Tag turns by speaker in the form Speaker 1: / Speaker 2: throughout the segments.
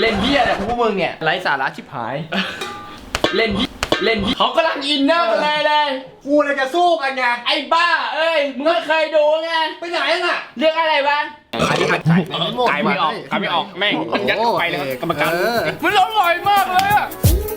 Speaker 1: เล่นเหี้ยแต่พวกมึงเนี่ยไร้สาระชิบหายเล่นเขากำลังอินเนอร์เลย
Speaker 2: กูเลยจะสู้กันไง
Speaker 1: ไอ้บ้าเอ้ยมึงไม่เคยดูไง
Speaker 2: ไปไหนน่ะ
Speaker 1: เรื่องอะไรวะ
Speaker 2: อันนี้มันไก่ไม่ออก
Speaker 3: ไก่ไม่ออกแม่งมันยัดเข้าไปเลยกรรมการ
Speaker 1: มันอร่อยมากเลยอะ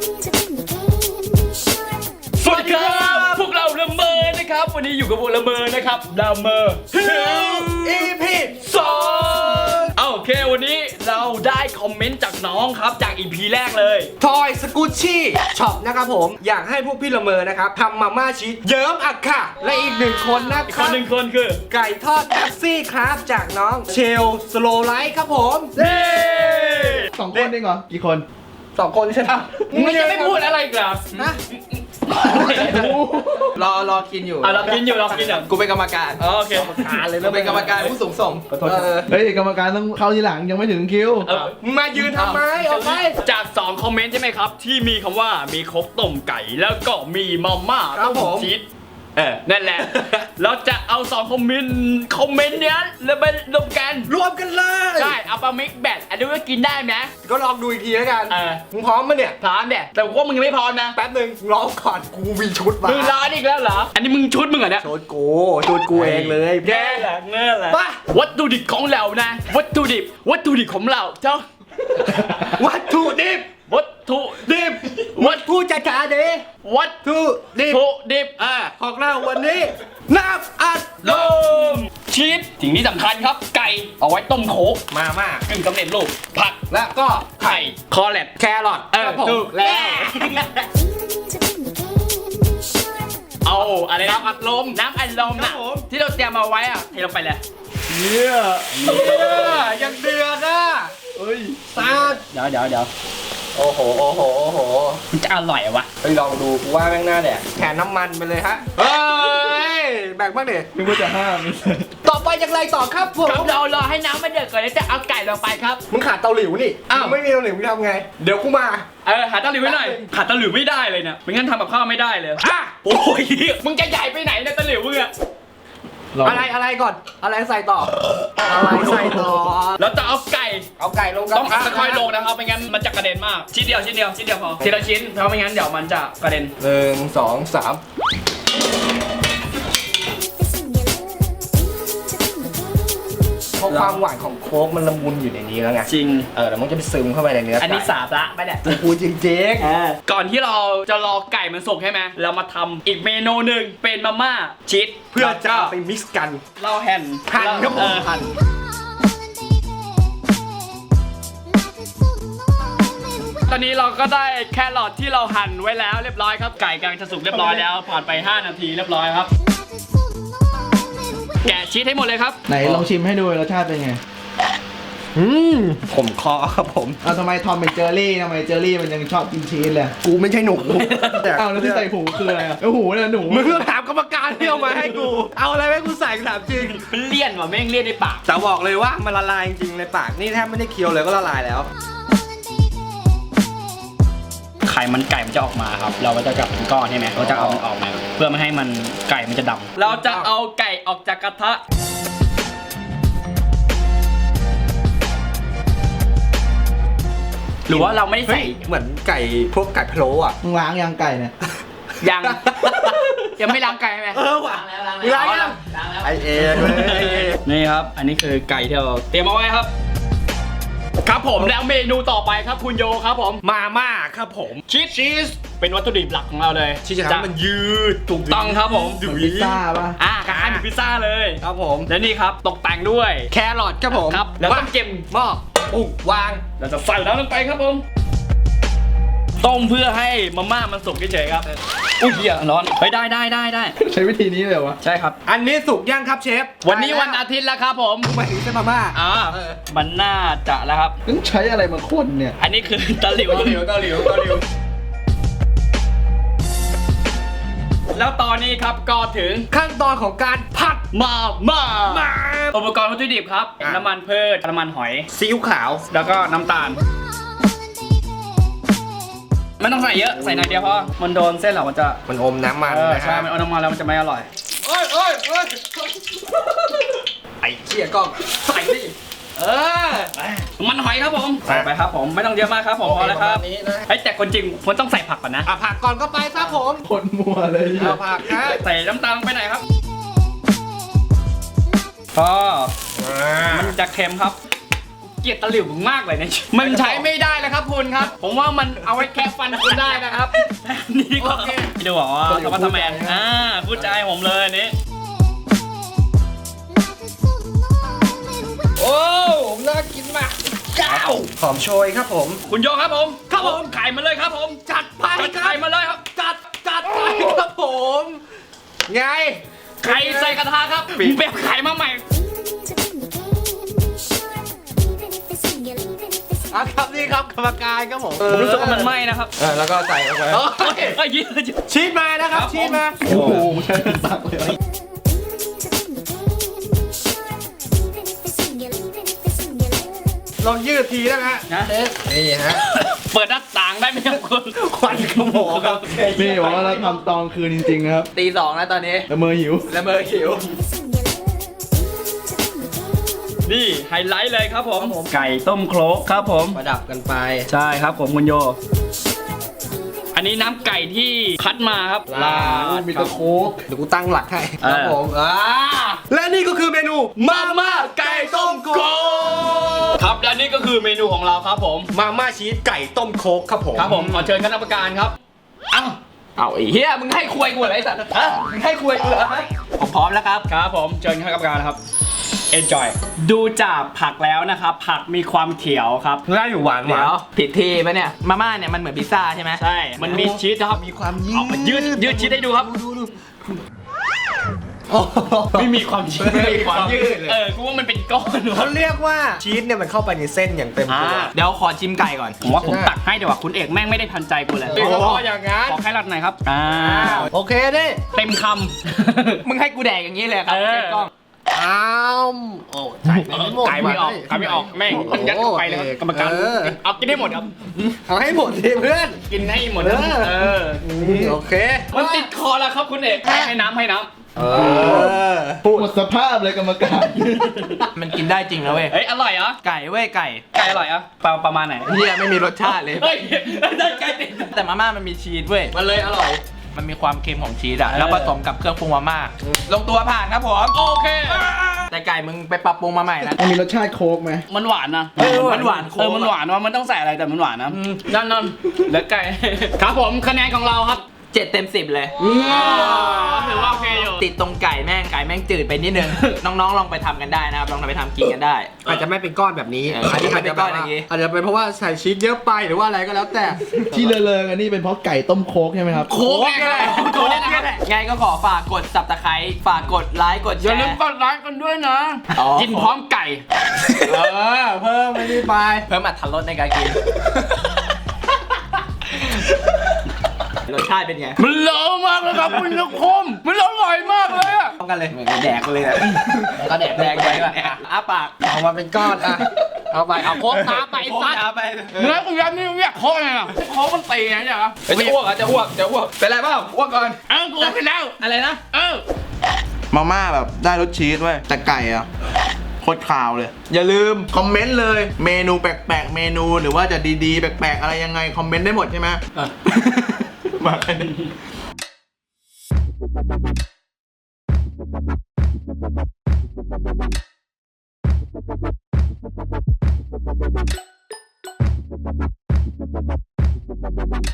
Speaker 1: สวัสดีครับพวกเราละเมอนะครับวันนี้อยู่กับพวกละเมอนะครับละเมอ
Speaker 2: EP
Speaker 1: 2โอเควันนี้เราได้คอมเมนต์จากน้องครับจาก EP แรกเลย
Speaker 2: ทอยสกูชี่ช็อปนะครับผมอยากให้พวกพี่ละเมอนะครับทำมาม่าชีสเยิ้มอักค่ะและอีกหนึ่งคนนะ
Speaker 1: อีก
Speaker 2: ค
Speaker 1: ค
Speaker 2: รั
Speaker 1: น
Speaker 2: บ
Speaker 1: หนึ่งคนคือ
Speaker 2: ไก่ทอดแท็กซี่ครับจากน้องเชลสโลไลท์ครับผม
Speaker 1: เย้
Speaker 4: สองคนเองเหรอกี่คน
Speaker 2: สองคนใช่ไหม
Speaker 1: มึงจะไม่พูดอะไรอีกเหรอ
Speaker 2: นะ
Speaker 4: รอกินอยู่
Speaker 1: เรากินอยู่
Speaker 4: กูเป็นกรรมการ
Speaker 1: โอเค
Speaker 4: เราเป็นกรรมการผู้สูงส่ง
Speaker 5: เฮ้ยกรรมการต้องเข้าทีหลังยังไม่ถึงคิว
Speaker 2: มึงมายืนทำไมออกไป
Speaker 1: จาก2คอมเมนต์ใช่ไหมครับ ที่มีคำว่ามีครกต้มไก่แล้วก็มีมาม่าต้มชีสนั่นแหละ เราจะเอา2คอมเมนต์เนี้ยแล้วไปรวมกัน
Speaker 2: รวมกันเลย
Speaker 1: ใช่เอาปลามิกแบทอันนี้ว่ากินได้ไหม
Speaker 2: ก็ลองดูอีกทีแล้วกัน
Speaker 1: เออ
Speaker 2: มึงพร้อมมั้ยเนี่ย
Speaker 1: พร้อมเนี่ยแต่ว่ามึงยังไม่พร้อมนะ
Speaker 2: แป๊บหนึ่งรอก่อนกูมีชุดมา
Speaker 1: มึงร้อนอีกแล้วเหรออันนี้มึงชุดมึงเหรอเนี่ย
Speaker 2: ชุดกูเองเลย
Speaker 1: แย่แหละเงื่อแหละ
Speaker 2: ป่ะ
Speaker 1: วัตถุดิบของเรานะ วัตถุดิบของเราเจ้า
Speaker 2: วัตถุดิบ
Speaker 1: วัตถุดิบ
Speaker 2: วัตถุจัดการดิ
Speaker 1: วัต
Speaker 2: ถุดิบ
Speaker 1: ถุดิบ
Speaker 2: ของเราวันนี้น้ำอัดล
Speaker 1: ล
Speaker 2: ม
Speaker 1: มชีสสิ่งที่สำคัญครับไก่เอาไว้ต้มโขก
Speaker 2: มาม่าก
Speaker 1: ึ่งสำเร็จรูปผัก
Speaker 2: แล้วก็
Speaker 1: ไข่คอแลต
Speaker 2: แครอทครับผม
Speaker 1: ถูกแล้ว เอาอะไรนะน้ำอัดลมน่ะที่เราเตรียมมาไว้อะเทลงไปเลย
Speaker 5: เนี่ย
Speaker 2: ยังเดือดอ่ะ
Speaker 5: เฮ้ย
Speaker 2: ซาด
Speaker 1: เดี๋ยว
Speaker 2: โอ้โห
Speaker 1: มันจะอร่อยเหรอวะ
Speaker 2: ไปลองดูกูว่าแม่งหน้าแดกแทนน้ำมันไปเลยฮะเฮ้ยแบ่งบ้างดิ
Speaker 5: นึกว่าจะห้ามไม่ใช่
Speaker 2: ต่อไปอย่างไรต่อครับผม
Speaker 1: ครับเรารอให้น้ำมันเดือดก่อนแล้วจะเอาไก่ลงไปครับ
Speaker 2: มึงขาดเตาหลิวนี่
Speaker 1: อ้าว
Speaker 2: มึงไม่มีเตาหลิวมึงทำไงเดี๋ยวกูมา
Speaker 1: หาตะหลิวไว้หน่อยหาตะหลิวไม่ได้เลยเนี่ยไม่งั้นทำกับข้าวไม่ได้เลย
Speaker 2: อ่ะ
Speaker 1: โอ้ยมึงจะใหญ่ไปไหนเนี่ยตะหลิวมึงอะ
Speaker 2: อะไรก่อนอะไรใส่ต่ออะไรใส่ต่อ
Speaker 1: เราจะเอาไก่
Speaker 2: เอาไก่ลงกัน
Speaker 1: ต้องค่อยๆลงนะครับไม่งั้นมันจะกระเด็นมากชิ้นเดียวพอทีละชิ้นเพราะไม่งั้นเดี๋ยวมันจะกระเด็น
Speaker 2: 1 2 3เพราะความหวานของโค้กมันละมุนอยู่ในนี้แล้วไง
Speaker 1: จริง
Speaker 2: แล้วมันจะไปซึมเข้าไปในเนื้อ
Speaker 1: อันนี้
Speaker 2: ไก่
Speaker 1: สาระไปเนี่ย
Speaker 2: กูจริง
Speaker 1: ก่อนที่เราจะรอไก่มันสุกใช่ไหมเรามาทำอีกเมนูหนึ่งเป็นมาม่าชีส
Speaker 2: ๆเพื่อจะเอาไปมิกซ์กัน
Speaker 1: เราหั่น
Speaker 2: หั่นครับผม
Speaker 1: หั่นตอนนี้เราก็ได้แครอทที่เราหั่นไว้แล้วเรียบร้อยครับไก่กำลังจะสุกเรียบร้อยแล้วผ่านไป5 นาทีเรียบร้อยครับ แกะชีสให้หมดเลยครับ
Speaker 5: ไหนลองชิมให้ดูรสชาติเป็นไง
Speaker 2: ผมคอครับผม
Speaker 5: เอาทำไมทอมเป็นเจอรี่ทำไมเจอรี่มันยังชอบกินชีสเลย
Speaker 2: กูไม่ใช่หนู
Speaker 5: อ้าวแล้วที่ใส่หูคืออะไรอ่ะโอ้โหเนี่ยหนู
Speaker 2: มึงต้องถามกรรมการที่เอามาให้กู เอาอะไรให้กูใส่ถามจริง
Speaker 1: เลี่ยนว่ะแม่งเลี่ยนในปาก
Speaker 2: แต่บอกเลยว่ามันละลายจริงๆในปากนี่แทบไม่ได้เคี้ยวเลยก็ละลายแล้ว
Speaker 3: ไข่มันไก่มันจะออกมาครับ เราก็จะจับเป็นก้อนใช่ไหมเราจะเอามันออกมาเพื่อไม่ให้มันไก่มันจะดำ
Speaker 1: เราจะเอาไก่ออกจากกระทะหรือว่าเราไม่ได้ใส่
Speaker 2: เหมือนไก่พวกไก่พะโล้อ่ะ
Speaker 5: มึงล้างยางไก่เนี่ย
Speaker 1: ยัง ยังไม่ล้างไก่ใช่ไหม
Speaker 2: ว่ะ
Speaker 1: ล้าง
Speaker 2: มึงล้างยังไอเองเลย
Speaker 3: นี่ครับ อันนี้คือไก่ที่เราเตรียมเอาไว้ครับ
Speaker 1: ครับผมแล้วเมนูต่อไปครับคุณโยครับผม
Speaker 2: มาม่าครับผม
Speaker 1: ชีสเป็นวัตถุดิบหลักของเราเลย
Speaker 2: ที่จะทำให้มันยืด
Speaker 1: ถูกต้องครับผม
Speaker 5: เหมือนพิซซ่าป่ะ
Speaker 1: คล้ายๆเหมือนพิซซ่าเลย
Speaker 2: ครับผม
Speaker 1: และนี่ครับตกแต่งด้วย
Speaker 2: แครอทครับผม
Speaker 1: ครับแล้วต้องเก็บ
Speaker 2: หม้อวาง
Speaker 1: เราจะใส่น้ำลงไปครับผมต้มเพื่อให้มาม่ามันสุกเฉยๆครับอุ้ยเหี้ยร้อนเฮ้ยได้
Speaker 5: ใช้วิธีนี้เลยเหรอวะ
Speaker 1: ใช่ครับ
Speaker 2: อันนี้สุกยังครับเชฟ
Speaker 1: วันนี้วันอาทิตย์แล้วครับผม
Speaker 2: หมายถึงเส้นมาม่า
Speaker 1: มันน่าจะแล้วครับ
Speaker 5: ต้องใช้อะไรมาคนเนี่ย
Speaker 1: อันนี้คือตะหลิว
Speaker 2: เกาหลิว
Speaker 1: แล้วตอนนี้ครับก็ถึง
Speaker 2: ขั้นตอนของการผัด
Speaker 1: มาอุปกรณ์วัตถุดิบครับ
Speaker 2: อ่ะ
Speaker 1: น้ำมันพืชน้ำมันหอย
Speaker 2: ซีอิ๊วขาว
Speaker 1: แล้วก็น้ำตาลไม่ต้องใส่เยอะใส่หน่อยเดียวพอมันโดนเส้นเรามันจะ
Speaker 2: มันอมน้ำมันนะ
Speaker 1: ใช่
Speaker 2: ฮะ
Speaker 1: มันเอาน้ำมันแล้วมันจะไม่อร่อย
Speaker 2: ไอ้เชี่ยก็ใส่ดิ
Speaker 1: มันหอยครับผมใส่ไปครับผมไม่ต้องเยอะมากครับผมพอแล้วครับ
Speaker 2: ประมาณนี้นะ
Speaker 1: เฮ้ยแต่คนจริงมันต้องใส่ผักก่อนนะ
Speaker 2: ผักก่อนก็ไปครับผม
Speaker 5: คนมัวเลย
Speaker 2: เอาผักฮะ
Speaker 1: ใส่น้ำตาลลงไปไหนอยครับพอมันจะเค็มครับ เกลียดตะหลิวมึงมากเลยเนี่ยมันใช้ไม่ได้แล้วครับคุณครับ ผมว่ามันเอาไว้แค่ฟันคุณได้นะครับ นี่ดีกว่าดูเหรอธรรมะทแมนพูดใจให้ผมเลยอันนี้
Speaker 2: โอ้น่ากินมากหอมโชยครับผม
Speaker 1: คุณโยครับผมครับผมไข่มาเลยครับผม จัดไปไข่มาเลยครับ
Speaker 2: จัดไปครับผม ไง
Speaker 1: ไข่ใส่กระทะครับมึงไปเอาไข่มาใหม่
Speaker 2: ครับนี่ครับกรรมการครับผม
Speaker 1: ผมรู้สึกว่ามันไหม้นะครับ
Speaker 2: แล้วก็ใส่ลงไป
Speaker 1: เอ้ย
Speaker 2: ชีสมานะครับชีสมา
Speaker 5: โอ้โหใช่สักเลย
Speaker 2: ลองยืดทีนะฮะ
Speaker 1: นะ
Speaker 2: นี่ฮะ
Speaker 1: เปิดหน้าต่างได้ไหมครับคุณ
Speaker 2: ควันขโมงครับ
Speaker 5: นี่บอกว่าเราทำตอนคืนจริงๆนะครับ
Speaker 4: ตี 2แล้วตอนนี้
Speaker 5: ละเมอหิว
Speaker 4: ละเมอหิว
Speaker 1: นี่ไฮไลท์เลยครับผม ไก่ต้มโครกครับผม
Speaker 2: ประดับกันไป
Speaker 1: ใช่ครับผมคุณโย อันนี้น้ำไก่ที่คัดมาครับ
Speaker 2: ลาด
Speaker 5: มีตะโคก
Speaker 2: เดี๋ยวกูตั้งหลักให้
Speaker 1: เออ
Speaker 2: ครับผมและนี่ก็คือเมนูมาม่าไก่ต้มโคก
Speaker 1: ครับและนี่ก็คือเมนูของเราครับผม
Speaker 2: มาม่าชีสไก่ต้มโคกครับผม
Speaker 1: ครับผมขอเชิญคณะกรรมการครับเอ้า
Speaker 4: เอาไอ้เหี้ยมึงให้คุยกูเหรอไอ้สัตว์ฮะมึงให้คุยกูเหรอฮะผมพร้อมแล้วครับ
Speaker 1: ครับผมเชิญคณะกรรมการครับ enjoy ดูจากผักแล้วนะครับ ผักมีความเขียวครับ
Speaker 2: น่าอยู่หวาน
Speaker 4: เดี๋ยวผิดทีปะเนี่ย มาม่าเนี่ยมันเหมือนพิซซ่าใช่ไหม
Speaker 1: ใช่ มันมีชีสนะครับ
Speaker 2: มีความยื
Speaker 1: เอามายืดชีสให้ดูครับ ไม่มีความชีส
Speaker 2: ไม่มีความยืดเลย
Speaker 1: กูว่ามันเป็นก้อน
Speaker 2: เขาเรียกว่าชีสเนี่ยมันเข้าไปในเส้นอย่างเต็มตัว
Speaker 4: เดี๋ยวขอชิมไก่ก่อน
Speaker 1: ผมว่าผมตักให้เดี๋ยวว่าคุณเอกแม่งไม่ได้ทันใจกูเลย
Speaker 2: โอ้อย่างงั้น
Speaker 1: ขอแค่รัดหน่อยครับ
Speaker 2: โอเคดิ
Speaker 1: เต็มค
Speaker 4: มึงให้กูแดกอย่างนี้เลยครับ
Speaker 1: เออ
Speaker 4: เจ๊กล้อง
Speaker 2: อ้าวโอ้ใส่ไปไม่หมด
Speaker 1: ไก่ไม่ออกไก่ไม่ออกแม่งมันยัดเข้าไปเลยครับกรรมการเอากินให้หมดครับ
Speaker 2: เอาให้หมดดิเพื่อน
Speaker 1: กินให้หมดครับ
Speaker 2: โอเค
Speaker 1: มันติดคอแล้วครับคุณเอกให้น้ำให้น้ำ
Speaker 5: หมดสภาพเลยกรรมการ
Speaker 4: มันกินได้จริงนะเว้ย
Speaker 1: เฮ้ยอร่อยเหรอ
Speaker 4: ไก่เว้ยไก่
Speaker 1: ไก่อร่อยเหรอประมาณไหน
Speaker 4: เหี้ยไม่มีรสชาติเลย
Speaker 1: เฮ้ยได้ไก่ติด
Speaker 4: แต่มาม่ามันมีชีสเว้ย
Speaker 2: มันเลยอร่อย
Speaker 4: มันมีความเค็มของชีสอะแล้วผสมกับเครื่องปรุงมาม่า ลงตัวผ่านครับผม
Speaker 1: โอเค
Speaker 4: แต่ไก่มึงไปปรับปรุงมาใหม่นะ
Speaker 5: มันมีรสชาติโค้กไหม
Speaker 1: มันหวานนะ
Speaker 4: มันหวานโค้ก
Speaker 1: มันหวานว่ามันต้องใส่อะไรแต่มันหวานนะนั่นแล้วไก่ ครับผมคะแนนของเราครับ
Speaker 4: 7 เต็ม 10 เลย
Speaker 1: ถือว่าโอเคอยู่
Speaker 4: ติดตรงไก่แม่งจืดไปนิดนึง น้องๆลองไปทำกันได้นะครับ ลองไปทำกินกันได้
Speaker 2: อาจจะไม่เป็นก้อนแบบนี้
Speaker 4: อันนี้
Speaker 2: อาจจะ
Speaker 4: เป็นก้อนอย่างนี้
Speaker 2: อาจจะเป็นเพราะว่าใส่ชีสเยอะไปหรือว่าอะไรก็แล้วแต่
Speaker 5: ที่เลอะๆกันนี่เป็นเพราะไก่ต้มโค้กใช่ไหมครับ
Speaker 1: โค้กไงโค้กไง
Speaker 4: ไงก็ขอฝากกด subscribe ฝากกดไลค์กดแช
Speaker 1: อย่า
Speaker 4: ร์
Speaker 1: ลืมกดไลค์กันด้วยนะ
Speaker 4: อ๋อ
Speaker 1: กินพร้อมไก่
Speaker 2: เพิ่มไม่ได้ไป
Speaker 4: เพิ่มอรรถรสในการกิน รสชาติเป็นไง
Speaker 1: มันเลอะมากเลยครับคุณลูกคมมันอร่อยมากเลยอะ
Speaker 4: ต้องกันเลยเหมือนแดกเลยอะก็แดกไปก่อนอ้าปาก
Speaker 2: เอามาเป็นก้อนอ่ะเอาไปเอาโคกน้ำไปซัด
Speaker 4: เอาไป
Speaker 1: เนื้อกูยันนี่เรียกโค้กไงล่ะโค้กมันตีไงเนี่ยครับ
Speaker 4: จะอ้วกจะอ้วกเป็นไรเปล่าอ้วกก่อน
Speaker 1: กูไปแล้ว
Speaker 4: อะไรนะ
Speaker 5: มาม่าแบบได้รสชีสเว้ยแต่ไก่อะโคตรขาวเลย อย่าลืมคอมเมนต์เลย เมนูแปลกๆ เมนูหรือว่าจะดีๆ แปลกๆ อะไรยังไง คอมเมนต์ได้หมดใช่ไหมมาแค่นี้